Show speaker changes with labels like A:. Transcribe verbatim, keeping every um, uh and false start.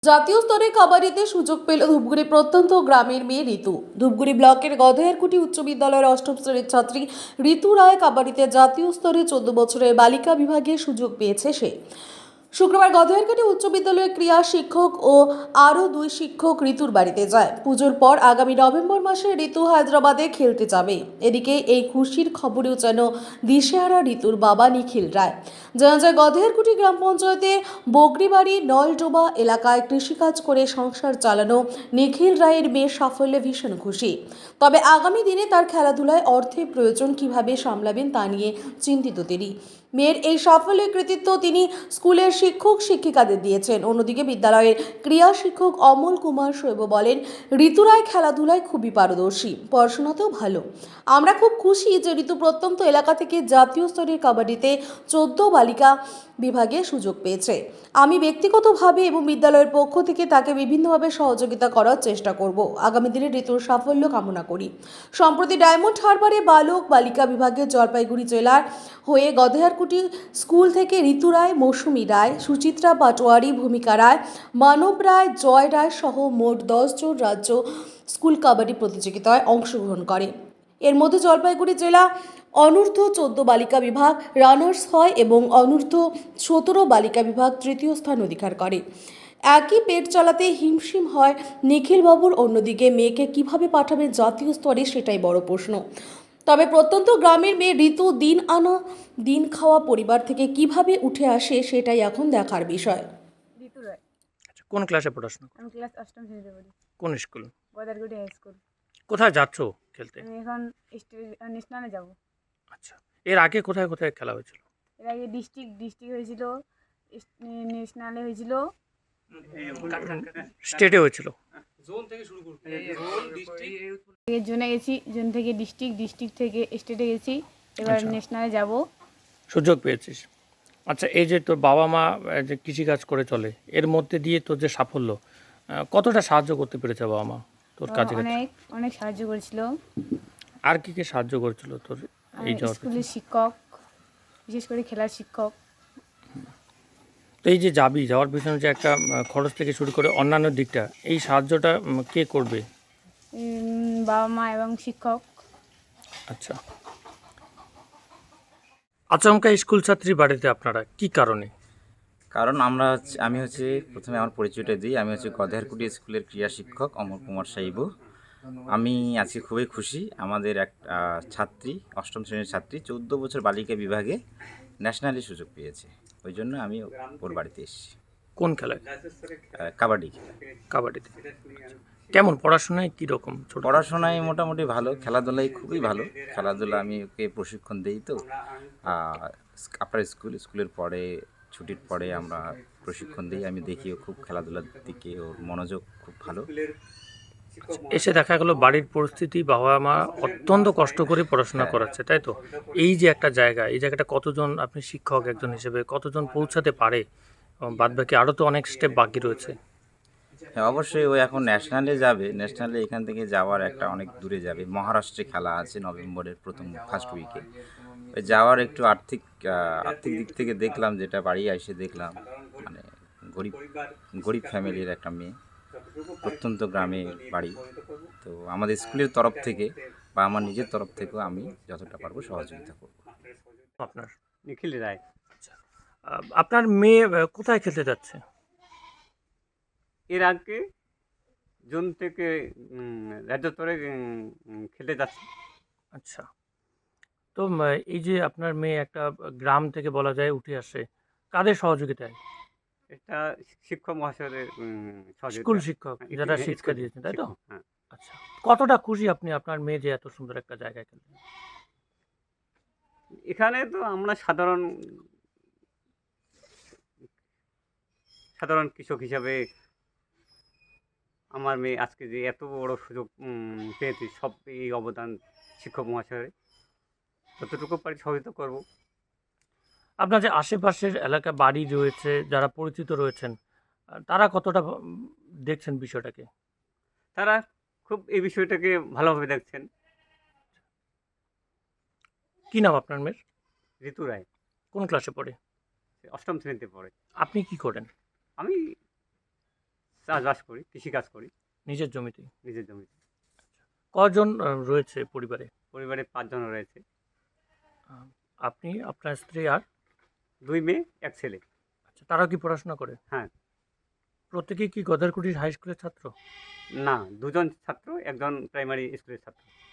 A: জাতীয় স্তরে কাবাডিতে সুযোগ পেল ধূপগুড়ি প্রত্যন্ত গ্রামের মেয়ে ঋতু। ধূপগুড়ি ব্লকের গধেয়ারকুটি উচ্চ বিদ্যালয়ের অষ্টম শ্রেণীর ছাত্রী ঋতু রায় কাবাডিতে জাতীয় স্তরে চোদ্দ বছরের বালিকা বিভাগে সুযোগ পেয়েছে সে। শুক্রবার গধেয়ারকুটি উচ্চ বিদ্যালয়ের ক্রীড়া শিক্ষক ও আরও দুই শিক্ষক ঋতুর বাড়িতে যায়। পুজোর পর আগামী নভেম্বর মাসে ঋতু হায়দ্রাবাদে খেলতে যাবে। এদিকে এই খুশির খবরেও যেন দিশেহারা ঋতুর বাবা নিখিল রায়। জানা যায় গধেয়ারকুটি গ্রাম পঞ্চায়েতের বগরিবাড়ি নলডোবা এলাকায় কৃষিকাজ করে সংসার চালানো নিখিল রায়ের মেয়ের সাফল্যে ভীষণ খুশি। তবে আগামী দিনে তার খেলাধুলায় অর্থের প্রয়োজন কিভাবে সামলাবেন তা নিয়ে চিন্তিত তিনি। মেয়ের এই সাফল্যের কৃতিত্ব তিনি স্কুলের শিক্ষক শিক্ষিকাদের দিয়েছেন। অন্যদিকে বিদ্যালয়ের ক্রীড়া শিক্ষক অমল কুমার শৈব বলেন, ঋতু রায় খেলাধুলায় খুবই পারদর্শী, পড়াশোনাতেও ভালো। আমরা খুব খুশি যে ঋতু প্রত্যন্ত এলাকা থেকে জাতীয় স্তরের কাবাডিতে চোদ্দ বালিকা বিভাগে সুযোগ পেয়েছে। আমি ব্যক্তিগতভাবে এবং বিদ্যালয়ের পক্ষ থেকে তাকে বিভিন্নভাবে সহযোগিতা করার চেষ্টা করব। আগামী দিনে ঋতুর সাফল্য কামনা করি। সম্প্রতি ডায়মন্ড হারবারে বালক বালিকা বিভাগে জলপাইগুড়ি জেলার হয়ে গধেয়ারকুটি স্কুল থেকে ঋতু রায়, মৌসুমী রায়, সুচিত্রা পাটোয়ারি, ভূমিকা রায়, মানব রায়, জয় রায় সহ মোট দশ জন রাজ্য স্কুল কাবাডি প্রতিযোগিতায় অংশগ্রহণ করে। এর মধ্যে জলপাইগুড়ি জেলা অনূর্ধ্ব চোদ্দ বালিকা বিভাগ রানার্স হয় এবং অনূর্ধ্ব সতেরো বালিকা বিভাগ তৃতীয় স্থান অধিকার করে। একই পেট চালাতে হিমশিম হয় নিখিলবাবুর। অন্যদিকে মেয়েকে কিভাবে পাঠাবে জাতীয় স্তরে সেটাই বড় প্রশ্ন। তবে প্রত্যন্ত গ্রামের মেয়ে ঋতু দিন আনা দিন খাওয়া পরিবার থেকে কিভাবে উঠে আসে সেটাই এখন দেখার বিষয়।
B: ঋতু রায়।
C: আচ্ছা, কোন ক্লাসে পড়াশোনা করো?
B: আমি ক্লাস অষ্টম শ্রেণীতে পড়ি,
C: কোন স্কুল?
B: গদারগুটি high school.
C: কোথায় যাচ্ছ খেলতে?
B: আমি এখন স্টে- ন্যাশনালে যাব।
C: আচ্ছা, এর আগে কোথায় কোথায় খেলা হয়েছিল?
B: এর আগে ডিস্ট্রিক্ট ডিস্ট্রিক্ট হয়েছিল, ইস- ন্যাশনালে হয়েছিল,
C: স্টেটে হয়েছিল।
B: এর জোনে গেছি, জোন থেকে ডিস্ট্রিক্ট, ডিস্ট্রিক্ট থেকে স্টেটে গেছি, এবার
C: আচ্ছা।
B: ন্যাশনালে যাব।
C: সুযোগ পেয়েছিস। আচ্ছা, এই যে তোর বাবা মা আহ, যে কৃষিকাজ করে চলে, এর মধ্যে দিয়ে তোর যে সাফল্য, আহ, কতটা সাহায্য করতে পেরেছে বাবা মা তোর কাজে?
B: অনেক অনেক সাহায্য করেছিল।
C: আর কি কি সাহায্য করেছিল তোর এই
B: আর
C: যাওয়ার
B: স্কুলের
C: পিছনে?
B: শিক্ষক, বিশেষ করে খেলার শিক্ষক।
C: তো এই যে যাবি, যাওয়ার পিছনে যে একটা আহ, খরচ থেকে শুরু করে অন্যান্য দিকটা, এই সাহায্যটা উম, কে করবে?
B: উম, বাবা মা এবং শিক্ষক।
C: আচ্ছা, আচমকা স্কুল ছাত্রী বাড়িতে আপনারা কি কারণে?
D: কারণ আমরা হচ্ছে আমি হচ্ছে প্রথমে আমার পরিচয়টা দিই। আমি হচ্ছে গধেয়ারকুটি স্কুলের ক্রীড়া শিক্ষক অমর কুমার সাইবু। আমি আজকে খুবই খুশি। আমাদের এক আহ, ছাত্রী, অষ্টম শ্রেণীর ছাত্রী, চৌদ্দ বছর বালিকা বিভাগে ন্যাশনালি সুযোগ পেয়েছে। ওই জন্য আমি ওর বাড়িতে এসেছি।
C: কোন খেলায়?
D: আহ, কাবাডি খেলা।
C: কাবাডিতে। কেমন পড়াশোনায় কীরকম? ছোট
D: পড়াশোনায় মোটামুটি ভালো, খেলাধুলায় খুবই ভালো। খেলাধুলা আমি ওকে প্রশিক্ষণ দিই। তো আপনার স্কুল স্কুলের পরে, ছুটির পরে আমরা প্রশিক্ষণ দিই। আমি দেখি ও খুব খেলাধুলার দিকে ওর মনোযোগ খুব ভালো।
C: এসে দেখা গেলো বাড়ির পরিস্থিতি, বাবা মা অত্যন্ত কষ্ট করে পড়াশোনা করাচ্ছে, তাই তো? এই যে একটা জায়গা, এই জায়গাটা কতজন, আপনি শিক্ষক একজন হিসেবে কতজন পৌঁছাতে পারে? বাদ বাকি আরও তো অনেক স্টেপ বাকি রয়েছে।
D: হ্যাঁ, অবশ্যই ও এখন ন্যাশনালে যাবে। ন্যাশনালে এখান থেকে যাওয়ার একটা অনেক দূরে যাবে। মহারাষ্ট্রে খেলা আছে নভেম্বরের প্রথম ফার্স্ট উইকে। ওই যাওয়ার একটু আর্থিক আহ, আর্থিক দিক থেকে দেখলাম, যেটা বাড়ি এসে দেখলাম, মানে গরিব গরিব ফ্যামিলির একটা মেয়ে, প্রত্যন্ত গ্রামে বাড়ি। তো আমাদের স্কুলের তরফ থেকে বা আমার নিজের তরফ থেকেও আমি যতটা পারবো সহযোগিতা করব।
C: আপনার
E: নিখিল রায়।
C: আচ্ছা, আহ, আপনার মেয়ে আহ, কোথায় খেলতে যাচ্ছে?
E: এর আগে জুন থেকে উম, রাজ্য স্তরে উম, খেলতে যাচ্ছে।
C: আচ্ছা, তো উম, এই যে আপনার মেয়ে একটা গ্রাম থেকে বলা যায় উঠে আসে, কাদের সহযোগিতায়?
E: এটা শিক্ষক মহাশয়ের উম, সহযোগিতা।
C: স্কুল শিক্ষক
E: হ্যাঁ,
C: যারা
E: হ্যাঁ,
C: শিক্ষা
E: স্কুল
C: দিয়েছেন, তাই তো?
E: শিক্ষক, হ্যাঁ।
C: আচ্ছা, কতটা খুশি আপনি আপনার মেয়ে যে এত সুন্দর একটা জায়গায় খেলছেন?
E: এখানে তো আমরা সাধারণ সাধারণ কৃষক হিসাবে আমার মেয়ে আজকে যে এত বড় সুযোগ উম, পেয়েছে, সব এই অবদান শিক্ষক মহাশয়ের। যতটুকু পারি সহযোগিতা করব।
C: আপনার যে আশেপাশের এলাকা বাড়ি রয়েছে, যারা পরিচিত রয়েছেন, আহ, তারা কতটা উম, দেখছেন বিষয়টাকে?
E: তারা খুব এই বিষয়টাকে ভালোভাবে দেখছেন।
C: কি নাম আপনার মেয়ের?
E: ঋতু রায়।
C: কোন ক্লাসে পড়ে?
E: অষ্টম শ্রেণীতে পড়ে।
C: আপনি কি করেন?
E: আমি চাষবাস করি, কৃষিকাজ করি
C: নিজের জমিতেই?
E: নিজের জমিতে।
C: কজন আহ, রয়েছে পরিবারে?
E: পরিবারে পাঁচজন রয়েছে,
C: আহ, আপনি, আপনার স্ত্রী আর?
E: দুই মেয়ে এক ছেলে।
C: আচ্ছা, তারাও কি পড়াশোনা করে?
E: হ্যাঁ।
C: প্রত্যেকেই কি গদারকুটির হাই স্কুলের ছাত্র?
E: না, দুজন ছাত্র, একজন প্রাইমারি স্কুলের ছাত্র।